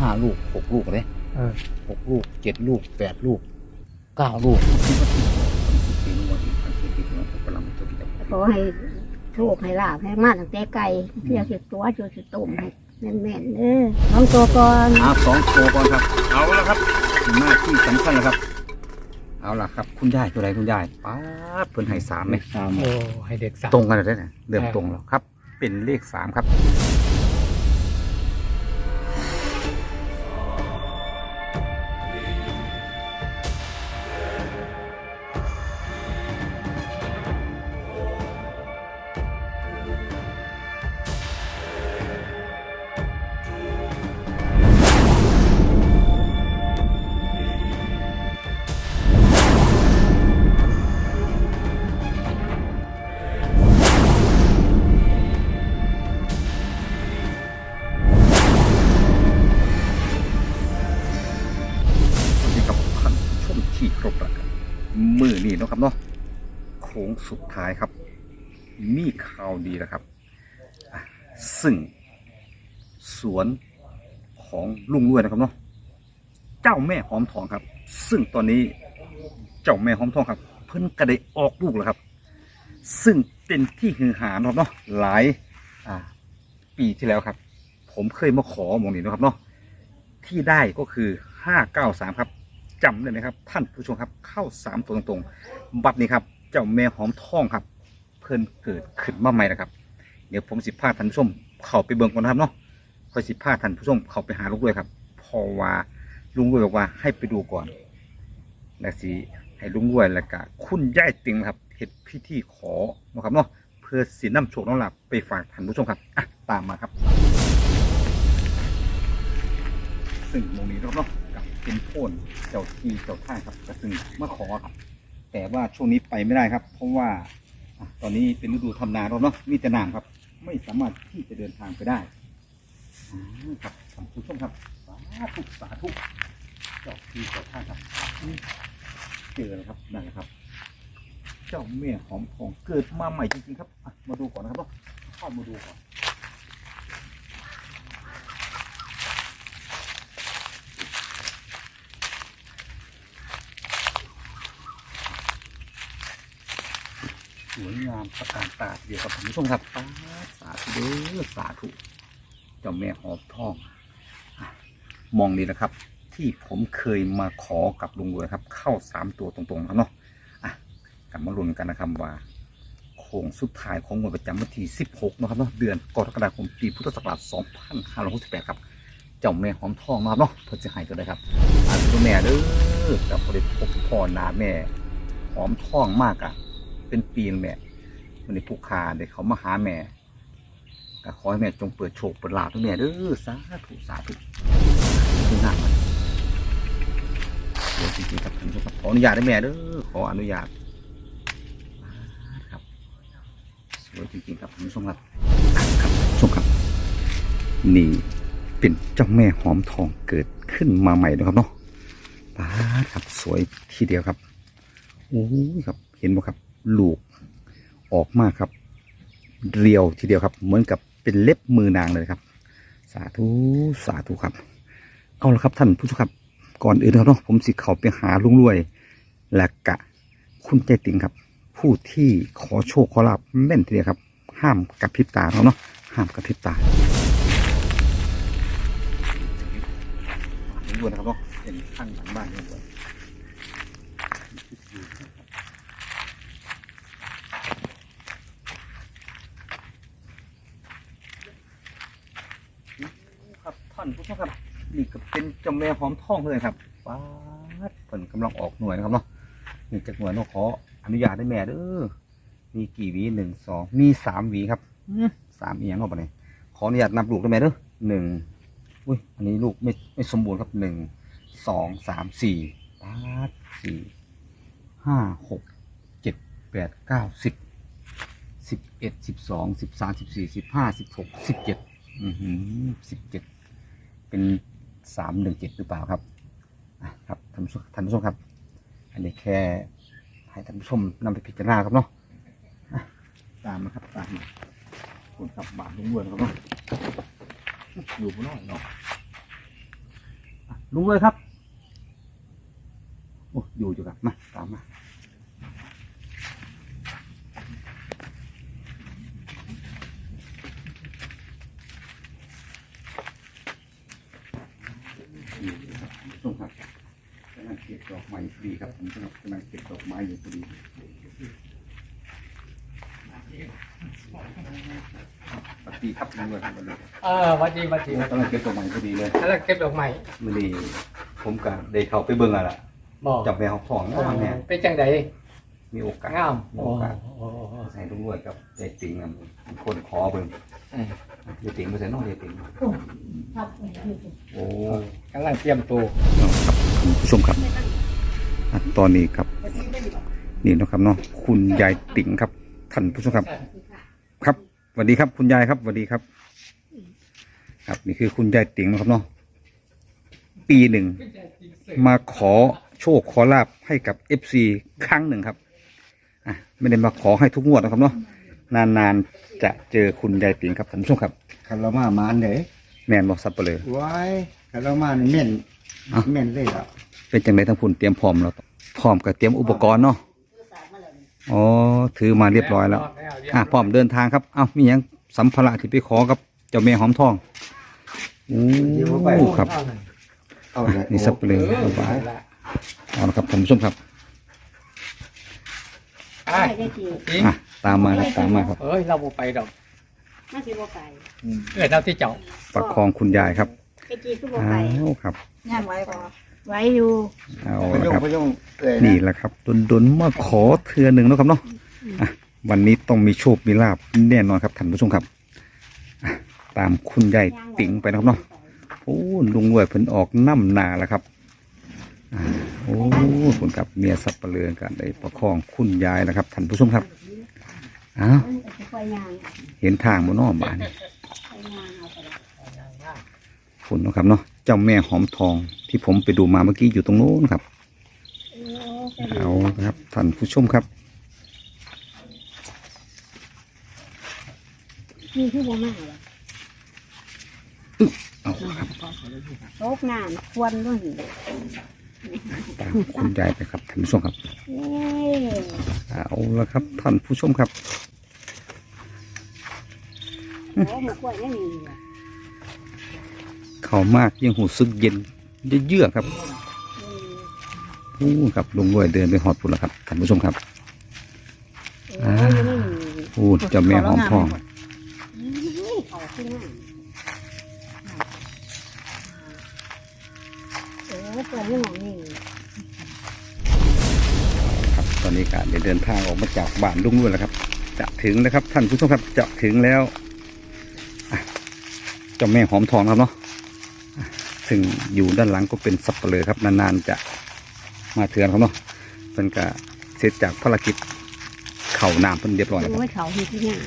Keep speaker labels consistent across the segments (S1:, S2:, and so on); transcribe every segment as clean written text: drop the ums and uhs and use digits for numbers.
S1: ลูก6 ลูกเลย6 ลูก7 ลูก8 ลูก9 ลูก
S2: ขอให้โชคให้ลาภให้มาตั้งแต่ไก่เพียงสิตัวจนสิตุ่มให้แม่นๆน้องตัวก่อน
S1: 2 ตัวก่อนครับเอาละครับหน้าที่สำคัญแล้วครับเอาล่ะครับคุณยายตัวใดคุณยายป๊าดเพิ่นให้3ไหม
S3: โอ้ให้เด็ก3
S1: ตรงกันเลยนะเริ่มตรงแล้วครับเป็นเลข3ครับที่ครบแล้วครับมือนี่เนาะครับเนาะโค้งสุดท้ายครับมีข่าวดีแล้วครับซึ่งสวนของลุงรวยนะครับเนาะเจ้าแม่หอมทองครับซึ่งตอนนี้เจ้าแม่หอมทองครับเพิ่นกระได้ออกลูกแล้วครับซึ่งเป็นที่ฮือฮาเนาะเนาะหลายปีที่แล้วครับผมเคยมาขอหมองนี้นะครับเนาะที่ได้ก็คือ593ครับจำได้ไหมครับท่านผู้ชมครับเข้า3 ตัวตรงๆบัดนี้ครับเจ้าแม่หอมทองครับเพิ่นเกิดขึ้นมาใหม่นะครับเดี๋ยวผมพาท่านผู้ชมเข้าไปเบิ่งก่อนนะครับเนาะค่อยพาท่านผู้ชมเข้าไปหาลุงรวยครับเพราะว่าลุงรวยบอกว่าให้ไปดูก่อนและสิให้ลุงรวยแล้วก็คุณยายติงครับเฮ็ดพิธีขอนะครับเนาะเพื่อสินำโชคนำลาภไปฝากท่านผู้ชมครับตามมาครับซึ่งตรงนี้เนาะเป็นโพนเจ้าที่เจ้าท่าครับกระซึ่งมาขอครับแต่ว่าช่วงนี้ไปไม่ได้ครับเพราะว่าตอนนี้เป็นฤดูทำนาเนาะมีแต่น้ำครับไม่สามารถที่จะเดินทางไปได้ครับท่านผู้ชมครับสาธุเจ้าที่เจ้าท่าครับเจอแล้วครับนั่นแหละครับเจ้าแม่หอมทองเกิดมาใหม่จริงๆครับมาดูก่อนนะครับเข้ามาดูก่อนสวยงามตระการตาเดียวกับท่านผู้ชมครับสาธุเด้อสาธุเจ้าแม่หอมทองมองนี่นะครับที่ผมเคยมาขอกับลุงรวยครับเข้า3 ตัวตรงๆครับเนาะกลับมาลุ้นกันนะครับว่าโค้งสุดท้ายของวันประจำวันที่16นะครับเนาะเดือนกรกฎาคมปีพุทธศักราช2568ครับเจ้าแม่หอมทองนะครับเนาะเพื่อจะให้ตัวได้ครับตัวแม่เด้อกับผลิตพบพ่อนาแม่หอมทองมากเป็นปีนแม่วันนี้ผู้ค้าเด็กเขามาหาแม่ก็ขอให้แม่จงเปิดโชคเปิดลาภให้แม่เด้อสาธุสาธุดูหน้ามันเดี๋ยวจริงๆครับท่านผู้ชมครับขออนุญาตได้แม่เด้อขออนุญาตครับสวยจริงๆครับท่านผู้ชมครับครับชมครับนี่เป็นเจ้าแม่หอมทองเกิดขึ้นมาใหม่นะครับเนาะป้าครับสวยทีเดียวครับโอ้ยครับเห็นไหมครับลูกออกมาครับเรียวทีเดียวครับเหมือนกับเป็นเล็บมือนางเลยครับสาธุสาธุครับเอาละครับท่านผู้ชมครับก่อนอื่นเนาะผมสิเข้าไปหาลุงรวยและกะคุณใจติ่งครับผู้ที่ขอโชคขอลาภแม่นทีเดียวครับห้ามกระพริบตาเนาะห้ามกระพริบตาลุงรวยนะครับเนาะเป็นข้างหลังบ้านลุงรวยท่านผู้ชมครับนี่ก็เป็นเจ้าแม่หอมทองเลยครับว้าผลกำลังออกหน่วยนะครับเนาะนี่จากหน่วยน้องขออนุญาตได้แม่เด้อมีกี่หวี1 2มี3 หวีครับ3 เอียงเข้าไปเลยขออนุญาตนับลูกได้แม่เด้อ1อุ้ยอันนี้ลูกไม่สมบูรณ์ครับ1 2 3 4 8 4 5 6 7 8 9 10 11 12 13 14 15 16 17 17เป็น317หรือเปล่าครับครับท่านผู้ชมครับอันนี้แค่ให้ท่านผู้ชมนำไปพิจารณาครับเนาะตามนะครับตามคุณขับบาทลุงรวยครับเนาะอยู่บนน้อยเนาะลุงเลยครับโอ้อยู่ครับมาตามมาส่งครับกำลังเก็บดอกไม้ดีครับผมกำลังเก็บดอกไม้อยู่พอดีปกติครับลุงเลยครับ
S3: วัดดีวัดดี
S1: กำลังเก็บดอกไม้พอดีเลย
S3: แล้วเก็บดอกไม้
S1: มื่อนี้ผมกับเด็กเขาไปเบิ่งอะไรล่ะ
S3: บอก
S1: จับแมวของนะแม่
S3: เป็นจังได
S1: มีโอกาส
S3: งาม
S1: มีโอกาสใส่ลุงรวยกับยายติ๋งนะคนขอเบิ่งยายติ๋งไม่ใช่น้องยายติ๋งโอ้
S3: กำลังเตรียมตัว
S1: ครับคุณผู้ชมครับตอนนี้ครับนี่นะครับเนาะคุณยายติ๋งครับท่านผู้ชมครับ ครับสวัสดีครับคุณยายครับสวัสดีครับ ครับนี่คือคุณยายติ๋งนะครับเนาะปีหนึ่งมาขอโชคขอลาบให้กับ FC ครั้งหนึ่งครับไม่ได้มาขอให้ทุกงวดนะครับเนาะนานๆจะเจอคุณยายติ๋งครับท่านผู้ชมครับ
S4: คารามามันเด้
S1: แมนบอกสับเปลือ
S4: ไว้คารามานี่แม่นแม่นเลยอ่ะ
S1: เป็นจังไรทั้งพุ่นเตรียมพร้อมแล้วพร้อมกับเตรียมอุปกรณ์เนาะอ๋อถือมาเรียบร้อยแล้วพร้อมเดินทางครับมีอย่างสัมภาระที่ไปขอกับเจ้าแม่หอมทองโอ้ครับ
S4: เอาเลย
S1: นี่สับเปลือเอาละครับท่านผู้ชมครับ
S2: ไม่ได้จริง
S1: ตามมาครับตามมาครับ
S3: เอ้ยเราบ่ไปดอก
S2: น่าสิบ่ไป
S3: เราที่เจ้า
S1: ประคองคุณยายครับ
S2: ไอ้จีก็บ่
S1: อ้า
S2: ไป
S1: วครับ
S2: ย่างไว้บ่ไว้อยู่
S1: เอา
S4: พ
S1: ละ
S4: ยง
S1: ครับ
S4: พยงเอ้ย
S1: นี่แหละครับดนมาขอเทือหนึ่งแล้วครับเนาะวันนี้ต้องมีโชคมีลาบแน่นอนครับท่านผู้ชมครับตามคุณยายติ๋งไปนะครับเนาะโอ้ลุงรวยเพิ่นออกน้ำนาแล้วครับโอ้คุณกับเมียสับเปลือกันได้ประคองคุณยายนะครับท่านผู้ชมครับอ้าว
S2: คอยย่าง
S1: เห็นทางบนนอกบ้าน
S2: คอยย่างเอาไปเลย
S1: คุณนะครับเนาะเจ้าแม่หอมทองที่ผมไปดูมาเมื่อกี้อยู่ตรงโน้นครับเอาครับท่านผู้ชมครับ
S2: มีที่บ่มาเหรอ
S1: เอาครับ
S2: โต๊ะน้ำควรด้วย
S1: ตามคุณยายไปครับท่านผู้ชมครับ
S2: เอ้ย
S1: เอาละครับท่านผู้ชมครับ
S2: โอ้หมูกล้วยไม่มีว่ะ
S1: เข้ามากยังหูซึกเย็นเยือกๆครับโอ้ครับลุงรวยเดินไปหอดปุ่นแล้วครับท่านผู้ชมครับ
S2: โอ้ยไม่มี
S1: โอ้เจ้าแม่หอมทอง
S2: เขาขึ้นหน้าโอ้เปิดไม่หมองนี่
S1: ครับตอนนี้การเดินทางออกมาจากบ้านลุงรวยแล้วครับ จะถึงแล้วครับท่านผู้ชมครับจะถึงแล้วเจ้าแม่หอมทองครับเนาะซึ่งอยู่ด้านหลังก็เป็นสับเปลือครับนานๆจะมาเถื่อนครับเนาะเป็นกะเสร็จจากภารกิจเข่าน้ำเป็นเรียบร้อยแล้วครับ
S2: โอ้ยเขาที่ที่หน้า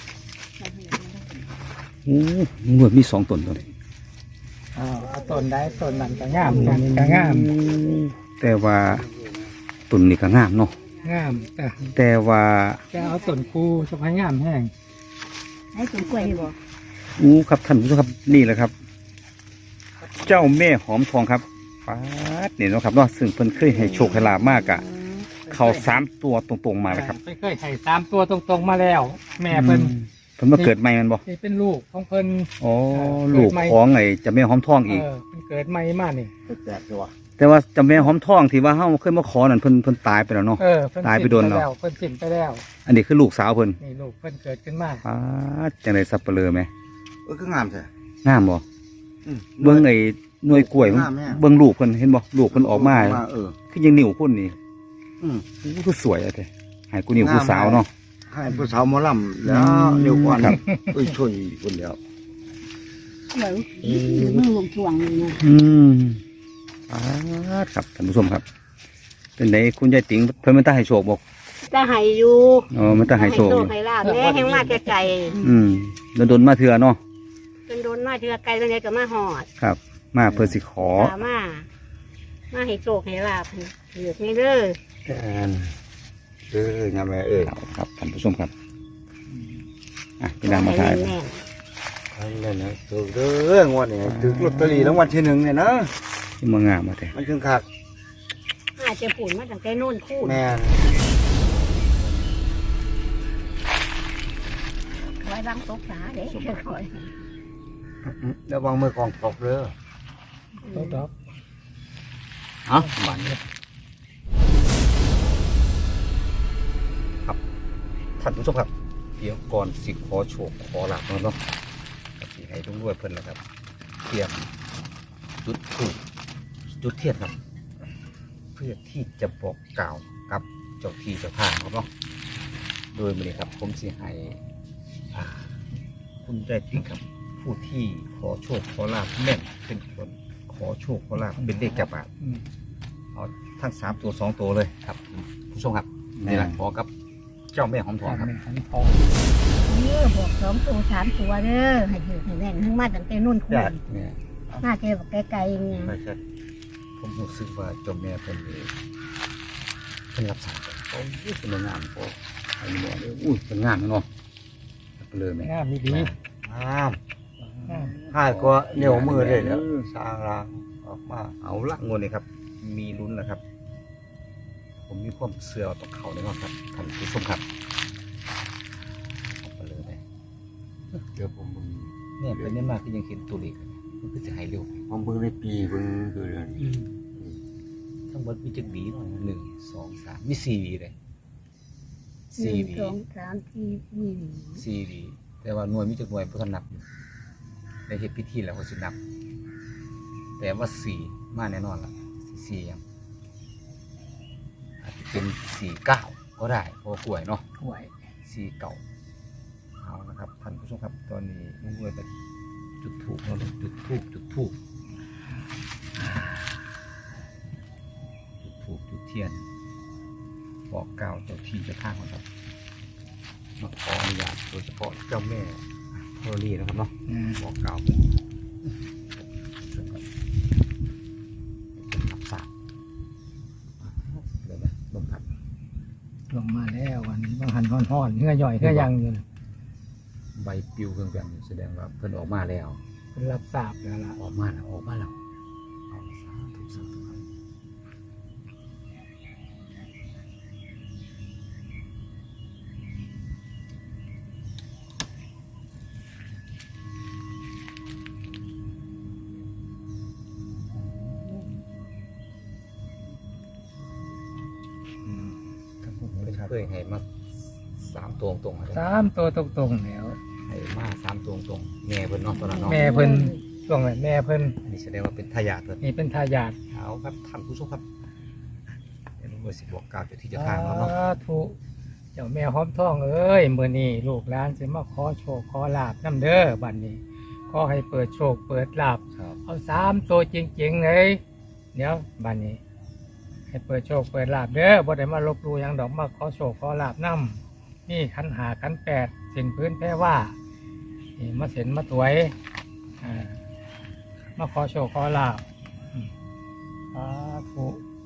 S1: โอ้เมื่อมีสองตนตัวนี้
S3: ต้นได้ต้นนั้นก็งามกันก็งาม
S1: แต่ว่าตุนนี่ก็งามเนาะ
S3: งามแต่
S1: แต่ว่า
S3: จะเอาต้นคูสะพายงามแห้ง
S2: ให้สวนกล้วยให้บอก
S1: ครับท่านผู้ชมครับนี่แหละครับ เจ้าแม่หอมทองครับป๊าดเนี่ยเนาะครับเนาะซึ่งเพิ่นเคยให้โชคให้ลาบมากอะเขา3 ตัวตรงๆมาเลยครับ
S3: ไม่เคยให้3 ตัวตรงๆมาแล้ว แม่เพิ่น
S1: เพิ่นมาเกิดใหม่แมันบ่
S3: นี่เป็นลูกของเพิ่น
S1: อ๋อลูกของไอ้เจ้าแม่หอมทองอีก
S3: เพิ่นเกิดใหม่มานี่
S4: แปลกตัว
S1: แต่ว่าเจ้าแม่หอมทองที่ว่าเฮาเคยมาขอนั่นเพิ่นตายไปแล้วเนาะ
S3: เพิ่น
S1: ตายไปโดนเนาะ
S3: เพิ่นสิ้นไปแล้ว
S1: อันนี้คือลูกสาวเพิ่น
S3: นี่ลูกเพิ่นเกิดขึ้นมา
S1: ป๊าดจังได๋สับเปลือไหม
S4: ก็งามใช่
S1: งามบ่เบิ่งไอ้หน่วยกล้วยมัน
S4: งามแม่
S1: เบิ่งลูกเพิ่นเห็นบ่ลูกเพิ่นออกมา คือยังนิ้วคนนี่
S4: อืม
S1: โอ้คือสวยอะเด้ให้กูนิ้วผู้สาวเนาะ
S4: ให้ผู้สาวหมอลำแล้วเร็วกว่า
S1: ครับ
S4: ช่วยคนเดียว
S2: เหมือนมือลงช่วงนี่นะ
S1: ครับท่านผู้ชมครับ เป็นไงคุณยายติ๋งเพิ่นมันตาให้โชคบอก
S2: จะให้อยู่
S1: อ๋อมันตาให้โชคอยู่
S2: ให้ลาบแม่แห้งมาแต่ไก่
S1: โดนมาเถื่อเนาะ
S2: จนโดนมาเทือไก่ตรงไหนก็มาหอด
S1: ครับ มาเพื่อสิขอ
S2: ถามมาให้โชคให้ลาบให้เหลือกไม่เด้อ
S4: งามแม่
S1: ครับท่านผู้ชมครับพี่นางมาถ่าย
S2: แม่
S4: นั่นนะถูกเด้องวดนี้ถูกลอตเตอรี่รางวัลที่ 1เนี่ยนะ
S1: ที่มางามมาแต่
S4: มันถึงคัก
S2: อาจจะปุ่นมาตั้งแต่โน่นคู่
S4: แม่น
S2: ไว้ล้างตกสาเด้คอย
S4: ระวังมือกองตกเด้อ
S3: โต๊ะดอก
S1: เอ้าบันเนี่ยครับท่านผู้ชมครับเดี๋ยวก่อนสิขอโชคขอลาบเนาะสิให้ลุงด้วยเพิ่นนะครับเตรียมจุดธูปจุดเทียนครับ เพื่อที่จะบอกกล่าวกับเจ้าที่เจ้าทางครับเนาะโดยมื้อนี้ครับผมสิให้คุณได้ที่ครับ ผู้ที่ขอโชคขอลาบแม่นเป็นคนขอโชคขอลาบเป็นเลขจับอ่ะ
S3: อืม
S1: เอาทั้ง3ตัว2ตัวเลยครับผู้ชมครับนี่แหละขอกับเจ้าแม่หอมทองครับ
S3: แม่หันทอง
S2: บอก2 ตัว 3 ตัวเด้อให้ถือให้แน่นทั้งมาตั้งแต่โน่นคู่
S1: เนี่ย
S2: น่าเจอแบบไกลๆเนี่ย
S1: ไม่ใช่ผมรู้สึกว่าเจ้าแม่เป็นรับสารโอ้ยเป็นงามพอไอ้หมอเลยอุ้ยเป็นงามเนาะเลยแม่
S3: งามดี
S4: งาม
S3: งาม
S4: หายก็เหนียวมือเลยแล้วสร้างรางออกมา
S1: เอาละงวดนี้ครับ มีลุ้นนะครับ ผมมีความเสื่อต่อเขาเลยครับท่านผู้ชมครับเอาไปเลย
S4: เดี๋ยวผมมึง
S1: เนี่ยเป็นเนี่ยมากที่ยังเห็นตัวเลขมันก็จะหายเร็ว
S4: ผมเบิ่งในปีเบิ่งคือเดือน
S3: อืม
S1: ทั้งหมดมีจักหวีหน่อยนะ1 2 3มี4หวีเลย4หวี
S2: 1 2 3 4
S1: 4หวีแต่ว่าหน่วยมีจักหน่วยเพิ่นนับอยู่ในเฮ็ดพิธีแล้วเขาสินับ แต่ว่า4มาแน่นอนล่ะ4ยังอาจจะเป็น49ก็ได้เพราะว่ากล้วยเนาะ
S3: ถ้วย
S1: 4 เก่าเอานะครับท่านผู้ชมครับตอนนี้ลุงรวยก็จุดธูปเนาะจุดธูปจุดเทียนบอกกล่าวเจ้าที่เจ้าทางนะครับมาขออนุญาตโดยเฉพาะเจ้าแม่ธรณีนะครับเนาะ
S3: อืม
S1: บอกกล่าวเป็นรับทราบเลยนะลงครับ
S3: ลงมาแล้ววันนี้บางหันห่อนๆเนื้อย่อยเนื้อย่างอยู่นะ
S1: ใบปลิวเครื่องๆแสดงว่าเพิ่นออกมาแล้ว
S3: เป็นรับทราบแล้วล่ะ
S1: ออกมาแล้วเอาสาธุครับครับผมเคยให้มา3ตัวตรงๆอะไร
S3: 3 ตัวตรงๆแล้ว
S1: ให้มา3ตัวตรงๆแม่เพิ่นเนาะตอนนั้นเนาะ
S3: แม่เพิ่นช่วงนั้นแม่เพิ่น
S1: อันนี้แสดงว่าเป็นทายาทเพิ่น
S3: นี่เป็นทายาท
S1: เอาครับท่านผู้ชมครับเดี๋ยวลุงสิบอกกล่าวเจ้าที่เจ้าทางแล้วเนาะ
S3: สาธุเจ้าแม่หอมทองเอ้ยมื้อนี้ลูกหลานสิมาขอโชคขอลาบนํเด้อบัดนี้ขอให้เปิดโชคเปิดลาบ
S1: ครับ
S3: เอา3 ตัวจริงๆเลยเดี๋ยวบัดนี้ ให้เปิดโชคเปิดลาบเด้อบ่ได้มาลบหลู่หยังดอกมาขอโชคขอลาบนํนี่ขันหาขัน8เส้นพื้นแพ้ว่านี่มาเส้นมาถวยมาขอโชคขอลาบสาธุ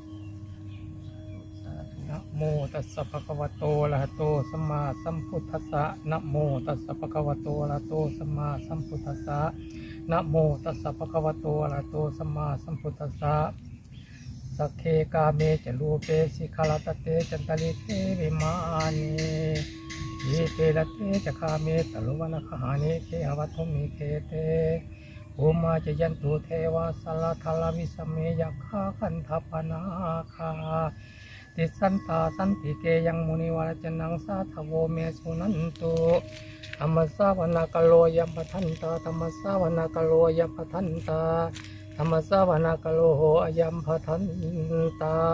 S3: นะโมตัสสะภะคะวะโตอะระหะโตสัมมาสัมพุทธัสสะนะโมตัสสะภะคะวะโตอะระหะโตสัมมาสัมพุทธัสสะนะโมตัสสะภะคะวะโตอะระหะโตสัมมาสัมพุทธัสสะสักเคกาเมจรูปเปสิขลตเตจันตลิเตวิมานียีเตละเตจะคาเมตลุวนะคหานิเคหวัตถุมิเคเตอุมาจยันตุเทวาสลทลวิสเมยัคขาคันทัปนาคาติสันตาสันติเกยังมุนิวรจนังสาทโวเมสุนันตุธรรมสาวนากโลยัมปทันตาธรรมสาวนากโลยัมปทันตาธรรมสาวนากโลโหอยัมปทันตา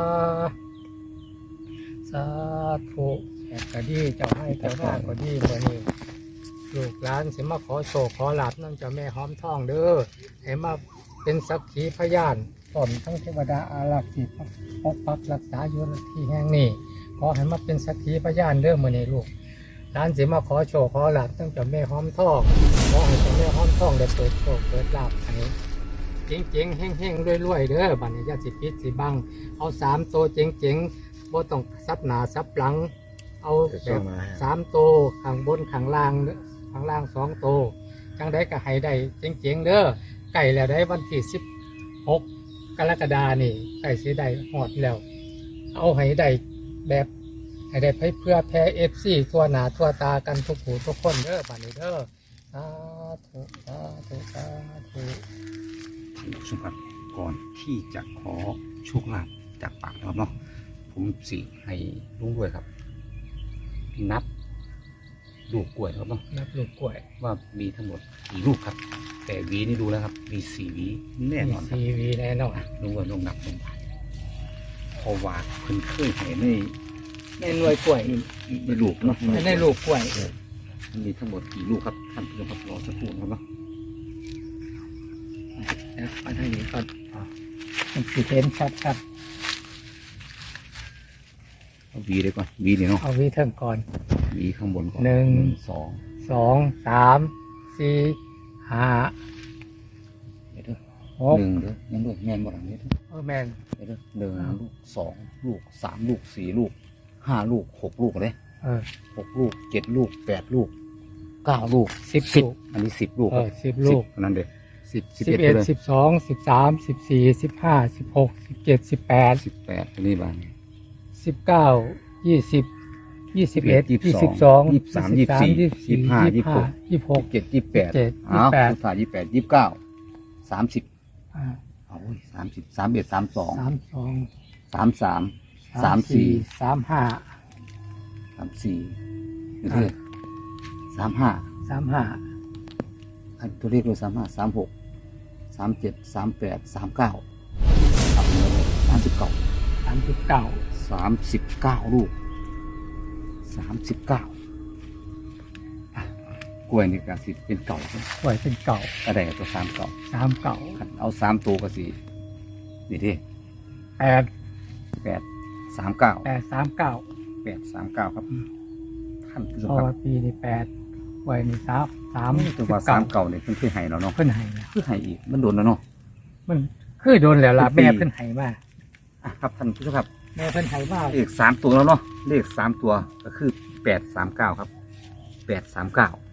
S3: สาธุแอกก็ดีเจ้าให้เจ้าหน้าก็ดีเมื่อนี้ลูกหลานสิมาขอโชคขอลาบนั่นเจ้าแม่หอมทองเด้อให้มาเป็นสักขีพยานพร้อมทั้งเทวดาอารักษ์ที่ปกปักรักษาอยู่ณที่แห่งนี้ขอให้มาเป็นสักขีพยานเด้อมื่อนี้ลูกหลานสิมาขอโชคขอลาบตั้งแต่แม่หอมทองขอให้เจ้าแม่หอมทองได้เปิดโชคเปิดลาบให้เจ๋งๆแห้งๆรวยๆเด้อบัดนี้อย่าสิปิดสิบังเอา3 ตัวเจ๋งๆบ่ต้องซับหน้าซับหลังเอาแบบ3 ตัวข้างบนข้างล่าง2 ตัวจังได้ก็ให้ได้เจ๋งๆเด้อใกล้แล้วได้วันที่16 กรกฎานี่ใกล้สิได้ฮอดแล้ว เอาให้ได้แบบให้ได้เพื่อแพ้ FC ทั่วหน้าทั่วตากันทุกผู้ทุกคนเด้อบัดนี้เด้อสาธุสาธุสาธุ
S1: ท่านผู้ชมครับก่อนที่จะขอโชคลาภจากปากนะครับเนาะผมสิให้ลุงด้วยครับ นับลูกกล้วยครับเนาะ
S3: นับลูกกล้วย
S1: ว่ามีทั้งหมดกี่ลูกครับ แต่หวีนี่ดูแล้วครับ มี4 หวีแน่นอนครับ
S3: ทีวีแน่นอน
S1: ลุงว่าลงนับลงไปเพราะว่าเพิ่นเคยให้ใน
S3: ในหน่วยกล้วย
S1: ในลูกเนาะ
S3: ในลูกกล้วย
S1: มันมีทั้งหมดกี่ลูกครับท่านผู้ชมครับรอสักครู่นะครับเนาะ
S3: อันนี้ก็มันสิเห็นชัด
S1: เอาหวีเลยก่อนหวีนี่เนาะ
S3: ๆเอาวิเทิงก่อน
S1: หวีข้างบนก่อน
S3: หนึ่ง
S1: สอง
S3: 2 3 4 5
S1: เดี๋ยวเด้อ
S3: 6
S1: หนึ่งเด้อยังด้วยแม่นบ่หลังนี้เด้อ
S3: แมน
S1: เดี๋ยวเด้อหนึ่งลูก2 ลูก3 ลูก4 ลูก5 ลูก6 ลูกเลย 6 ลูก7 ลูก8 ลูก9 ลูก
S3: 10 ลูก
S1: อันนี้10 ลูก
S3: 10 ลูก
S1: 10นั่นเด้อ10 11
S3: 11
S1: เลย
S3: 12 13 14 15 16 17 18
S1: 18ตัวนี้บ้าง
S3: 19 20 21 22
S1: 23 24 25
S3: 26
S1: 27 28
S3: 27
S1: อ้าว
S3: 28
S1: สุดท้าย28 29 30
S3: อ่า
S1: เอาเว้ย30 31 32
S3: 32
S1: 33 34
S3: 35
S1: 34นี่คือ35
S3: 35
S1: อันตัวเลขเลย35 36 37 38 39 39
S3: 39
S1: 39 ลูก 39อ่ะกล้วยนี่ก็สิเป็นเก่าครับ
S3: กล้วยเป็นเก่า
S1: ก็ได้กับตัว3เก่า
S3: 3 เก่า
S1: คันเอา3ตัวก็สินี่ที่
S3: 8
S1: 8 39
S3: 8 39
S1: 839 ครับท่านผู้ชม
S3: เพราะ
S1: ครั
S3: ว่า
S1: บ
S3: ปีนี้8กล้วยนี่3
S1: ตัวว่า3เก่าเนี่ยเพิ่นเคยให้เราเนาะ
S3: เพิ่นให้นะ
S1: คือให้อีกมันโดนแล้วเนาะ
S3: มันคือโดนแล้วล่ะ
S1: เป็นปี
S3: แม่เพิ่นให้มา
S1: อ่ะครับท่านผู้ชมครับ
S3: แม่เพิ่นให้มา
S1: เลข3ตัวแล้วเนาะเลข3ตัวก็คือ839ครับ839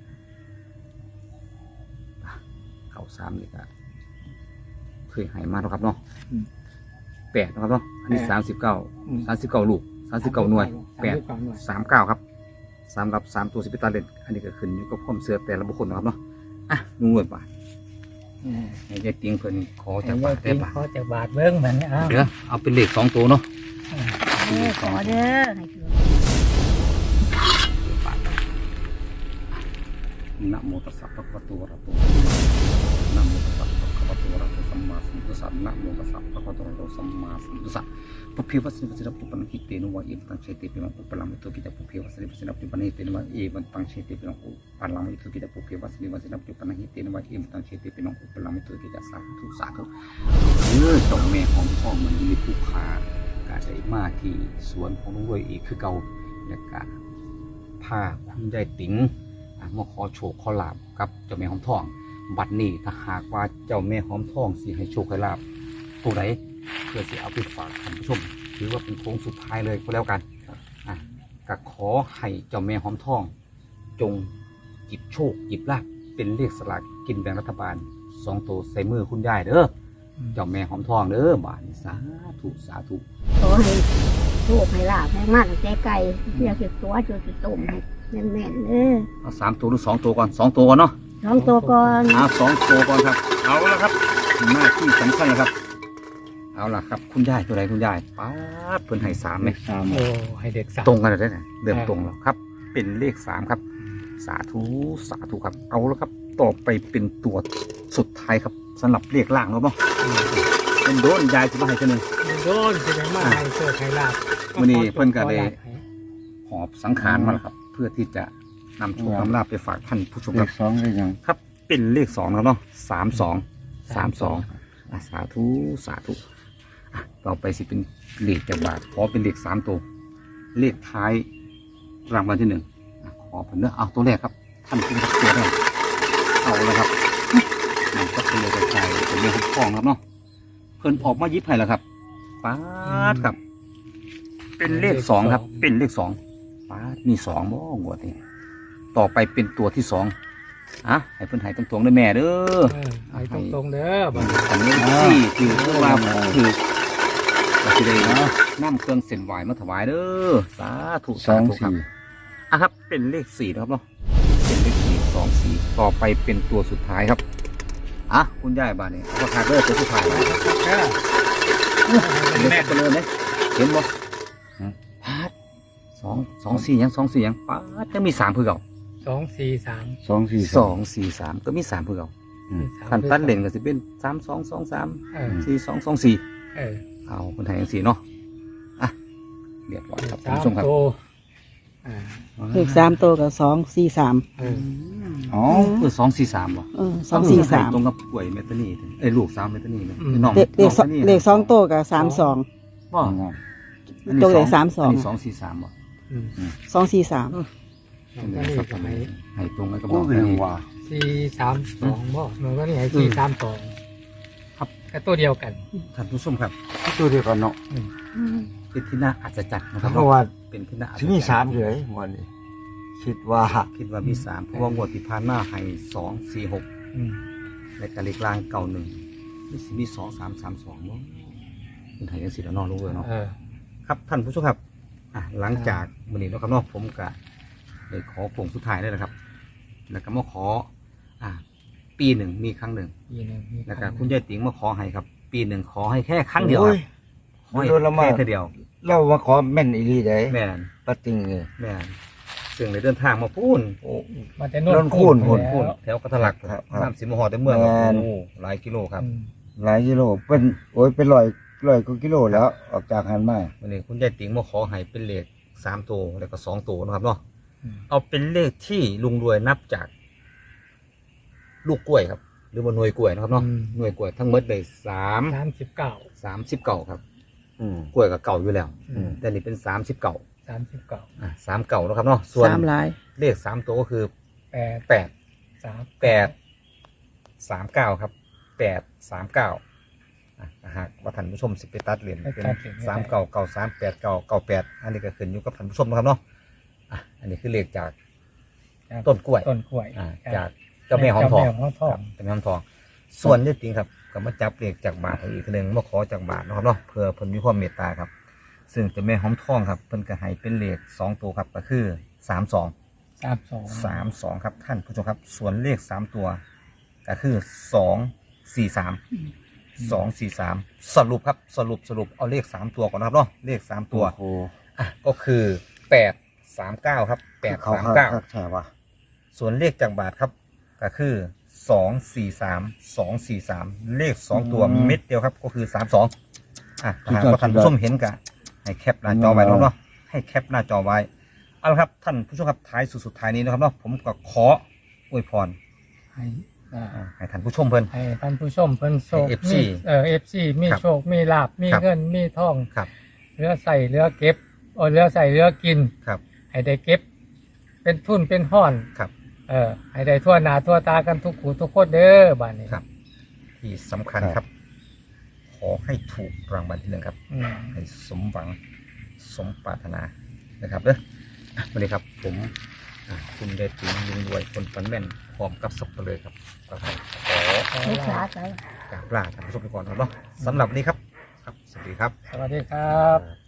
S1: เข้า3นี่ก็เคยให้มาแล้วครับเนาะ8นะครับเนาะอันนี้39ลูก39หน่วย839ครับสำหรับ3ตัว10ตาเล่นอันนี้ก็ขึ้นอยู่กับความเชื่อแต่ละบุคคลนะครับเนาะอ่ะนุ่งเงินป่ะให้ยายติงเพิ่นขอจากบาทได้ป่ะ
S3: ขอจากบาทเบิ่งเหมือนอ้าว
S1: เดี๋ยวเอาเป็นเลข2ตัวเนาะ
S2: ขอเด้อให้ถือ
S1: นะโมตัสสะภะคะวะโตอะระหะโตนะโมตัสสะภะคะวะโตอะระหะโตสัมมาสัมพุทธัสสะนะโมตัสสะภะคะวะโตอะระหะโตสัมมาสัมพุทธัสสะปุเพวัสสิวัสสิระปุปนังคิเตนุวะเอวังเชติปิมังอุปลังมิตุกิจปุเพวัสสิวัสสิระปุปนังคิเตนุวะเอวังเชติปิมังอุปลังมิตุกิจปุเพวัสสิวัสสิระปุปนังคิเตนุวะเอวังเชติปิมังอุปลังมิตุกิจสาธุสาธุเจ้าแม่ของพ่อมันมีผู้ค้ากาได้มาที่สวนของลุงรวยอีกคือเก่าและกะพาคุณยายติ๋งมาขอโชคขอลาบกับเจ้าแม่หอมทอง บัดนี้ถ้าหากว่าเจ้าแม่หอมทองสิให้โชคให้ลาบตัวไหนเพื่อสิเอาไปฝากท่านผู้ชมถือว่าเป็นโค้งสุดท้ายเลยก็แล้วกันก็ขอให้เจ้าแม่หอมทอง จงหยิบโชคหยิบลาบเป็นเลขสลากกินแบ่งรัฐบาล2ตัวใส่มือคุณยายเด้อเจ้าแม่หอมทองเด้อบาดนี้สาธุสาธุ
S2: ขอให้โชคให้ลาภให้มาตั้งแต่ไกลเรียกสิตัวจนสิต้มให้แม่นๆเด้อ
S1: เอา3ตัวหรือ2ตัวก่อน2ตัวก่อนเนาะ
S2: 2 ตัวก่อน
S1: 2ตัวก่อนครับเอาละครับหน้าที่สำคัญนะครับเอาล่ะครับคุณยายตัวไหนคุณยายป๊าดเพิ่นให้3ไหม
S3: โอ้ให้เด็กสาม
S1: ตรงกันเลยนะเริ่มตรงแล้วครับ เป็นเลข3ครับสาธุสาธุครับเอาแล้วครับต่อไปเป็นตัวสุดท้ายครับสำหรับเลขล่างแล้วเนาะเป็นโดนยายจะมาให้ตัวหนึง
S3: โดนใช่ไหมมาให้โชคให้ลาบ
S1: มื้อนี้เพิ่นก็ได้ หอบสังขารมาแล้วครับ เพื่อที่จะนำโชคนำลาภไปฝากท่านผู้ชม
S4: เล
S1: ครับ
S4: ข2ได้ยัง
S1: ครับเป็นเลข2แล้วเนาะ32สาธุสาธุต่อไปสิเป็นเลขจากบาทขอเป็นเลข3ตัวเลขท้ายรางวัลที่1ขอผมเนื้อเอาตัวแรกครับท่านผู้ชมตัวแรกเอาแล้วครับมันก็เป็นเลขกระจายเป็นเลขทองครับเนาะเพิ่นออกมายิบให้แล้วครับป๊าดครับ เป็นเลข2ครับเป็นเลข2ป๊าดมี2บ่งวดนี้ต่อไปเป็นตัวที่2 ให้เพิ่นให้ตรงๆเด้อแม่เด้อ
S3: ให้ตรงๆเด้อบัด
S1: อันนี้สี่ถือว่าถือก็สิได้นำเครื่องเส้นไหวมาถวายเด้อสาธุ
S4: ส
S1: สา
S4: อง
S1: ธุครับ
S4: สี่
S1: ครับเป็นเลข4นะครับเนาะเป็นเลข4 2 4ต่อไปเป็นตัวสุดท้ายครับคุณยายบ้านนี่ราคาเด้อตัวสุดท้ายเลยเป็นเลขตัวเลยไหมเห็นบ่พาด2 4ยัง2 4ยังพาดจะมี3เพื่อเก่า
S3: 243
S4: สองสี่
S1: 2 4 3ก็มี3เพื่อเก่า
S4: อืม
S1: คันตัดเล่นก็สิเป็น3 2 2 3
S3: เออ
S1: 4 2 2 4
S3: เออ
S1: เอาคนไทยยัง4เนาะเรียบร้อยครับท่าน
S3: สาม
S1: ผู้ชมครับ
S3: โตอ่า
S5: เลข3ตัวกับ243
S3: เออ
S4: อ๋อ
S1: 2 4 3บ่
S5: 243
S1: ตรงกับกล้วยเมตานีลูก3เมตานีนะน้อง
S5: เลข2ตัวกับ32
S1: บ่
S5: ตัวเลข
S1: อัน
S5: 32
S1: นี้2 4 3บ่
S3: อืม
S5: 243
S3: น้องก็นี่ก็ให้
S1: ให้ตรงกันกับ
S4: โอ้
S1: น้อง
S4: เรียงว่า
S3: 432บ่น้องก็นี่ให้432
S1: ครับ
S3: ก็ตัวเดียวกัน
S1: ท่านผู้ชมครับ
S4: ตัวเดียวกันเนาะ
S1: เป็นที่น่าอัศจรรย์นะครับ
S4: เพราะว่า
S1: เป็นที่น่าอัศจร
S4: ที่
S1: รย์
S4: มีสามเลยวันนี้คิดว่า
S1: คิดว่ามี3เพราะว่างวดที่ผ่านมาให้2 4 6
S3: อืม
S1: ในการเลขกลางเก่า1นี่สิมี2 3 3 2บ่คนไทยยังสิแล้วเนาะรู้เลยเนาะ
S3: เออ
S1: ครับท่านผู้ชมครับหลังจากวันนี้นะครับเนาะผมก็ได้ขอผงสุดท้ายเลยนะครับ แล้วก็มาขอปีหนึ่งมีครั้งหนึ่ง
S3: ปีหนึงมี
S1: แล้วก็
S3: รั้งหนึ่ง
S1: คุณยายติ๋งมาขอให้ครับ ปีหนึ่งขอให้แค่ครั้งเดียวค
S4: โอ้
S1: รับ
S4: ย
S1: ขอให้
S4: โดนละมา
S1: แค่เท่าเดียว
S4: เรามาขอแม่นอีหลีได้
S1: แม่น
S4: ปะติงเลย
S1: แม่นซึ่งในเดินทางมาพูน
S4: โอ้
S3: มันจะ
S4: โน่นคูณ
S3: ไป
S1: พูน
S3: แล้ว
S1: พูนแถวกระทะลัก
S4: ครับ
S1: น้ำสิมหอแต่เมือง
S4: แม่น
S1: โอ้หลายกิโลครับ
S3: อืม
S4: หลายกิโลเป็นโอ้ยเป็นร้อยกว่ากิโลแล้วออกจากหันมา
S1: วันนี้คุณยายติ๋งมาขอให้เป็นเลข3 ตัวแล้วก็2 ตัวนะครับเนาะ
S3: อืม
S1: เอาเป็นเลขที่ลุงรวยนับจาก ลูกกล้วยครับ หรือว่าหน่วยกล้วยนะครับเนาะหน่วยกล้วยทั้งหมดเลย
S3: 39
S1: 39ครับ
S4: อืม
S1: กล้วยกับเก่าอยู่แล้ว
S3: อืม
S1: แต่นี่เป็น39
S3: 39
S1: 3เก่านะครับเนาะส่วน
S5: 3หลาย
S1: เลข3ตัวก็คือ
S3: 8
S1: 8 39ครับ8 39หากว่าท่านผู้ชมสิไปตัดเหรียญเป็น3เก่าเก่า3 8เก่าเก่า8อันนี้ก็ขึ้นอยู่กับท่านผู้ชมนะครับเนาะอันนี้คือเลขจากต้นกล้วย
S3: ต้นกล้วย
S1: จากเจ้าแม่หอมทอง
S3: เจ้าแม่หอมทอง
S1: เจ้าแม่หอมทอง ส่วนเลขจริงครับก็มาจับเลขจากบาทอีกทีหนึงมาขอจากบาทนะครับเนาะเพื่อเพิ่นมีความเมตตาครับ ซึ่งเจ้าแม่หอมทองครับเพิ่นก็ให้เป็นเลข2ตัวครับก็คือ32ครับท่านผู้ชมครับส่วนเลข3ตัวก็คือ243สรุปครับสรุปเอาเลข3ตัวก่อนนะครับเนาะเลข3ตัว
S4: โอ้
S1: ก็คือ839ครับ
S4: เขา
S1: 839
S4: ใช่ป่ะ
S1: ส่วนเลขจากบาทครับก็คือ243เลข2ตัวเม็ดเดียวครับก็คือ32หากว่าท่านผู้ชมเห็นกะให้แคปหน้าจอไว้เนาะให้แคปหน้าจอไว้เอาละครับท่านผู้ชมครับท้ายสุดท้ายนี้นะครับเนาะผมก็ขออวยพร ให้ท่านผู้ชมเพิ่น
S3: ให้ท่านผู้ชมเพิ่นโชค
S1: ให้ FC
S3: มีFC มี
S1: ครับ
S3: โชคมีลาภมี
S1: ครับ
S3: เงินมีทอง
S1: ครับ
S3: เหลือใส่เหลือเก็บเหลือใส่เหลือกิน
S1: ครับ
S3: ให้ได้เก็บ เป็นทุนเป็นห้อน
S1: ครับ
S3: ให้ได้ทั่วหน้าทั่วตากันทุกผู้ทุกคนเด้อบ้านนี้
S1: ครับ ที่สำคัญครับ ขอให้ถูกรางวัลที่ 1ครับ
S3: อืม
S1: ให้สมหวังสมปรารถนานะครับเด้อวันนี้ครับผมคุณเดชติ๋งลุงรวยคนฝันแม่นพร้อมกับสับเปลือครับก็ขอ
S2: ลูกสาวไป
S1: กราบลาท่านผู้ชมไปก่อนครับเนาะสำหรับวันนี้ครับ สวัสดีครับ
S3: สวัสดีครับ